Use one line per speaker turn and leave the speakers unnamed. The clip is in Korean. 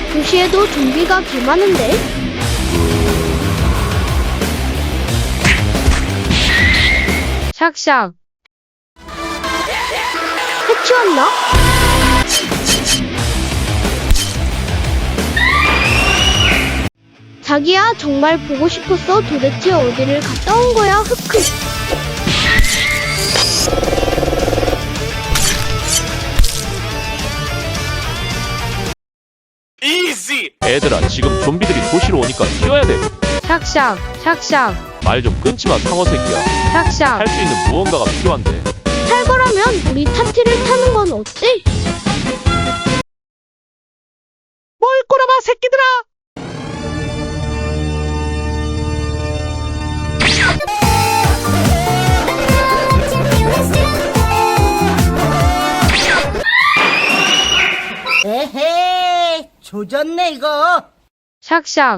도시에도 좀비가 개 많은데?
샥샥.
해치웠나? 자기야, 정말 보고 싶었어. 도대체 어디를 갔다 온 거야? 흑흑.
애들아, 지금 좀비들이 도시로 오니까 튀어야 돼.
샥샥. 샥샥.
말 좀 끊지 마, 상어 새끼야.
샥샥.
할 수 있는 무언가가 필요한데.
탈거라면 우리 타티를 타는 건 어때?
뭘 꼬라봐, 새끼들아!
에헤이, 조졌네 이거.
샥샥.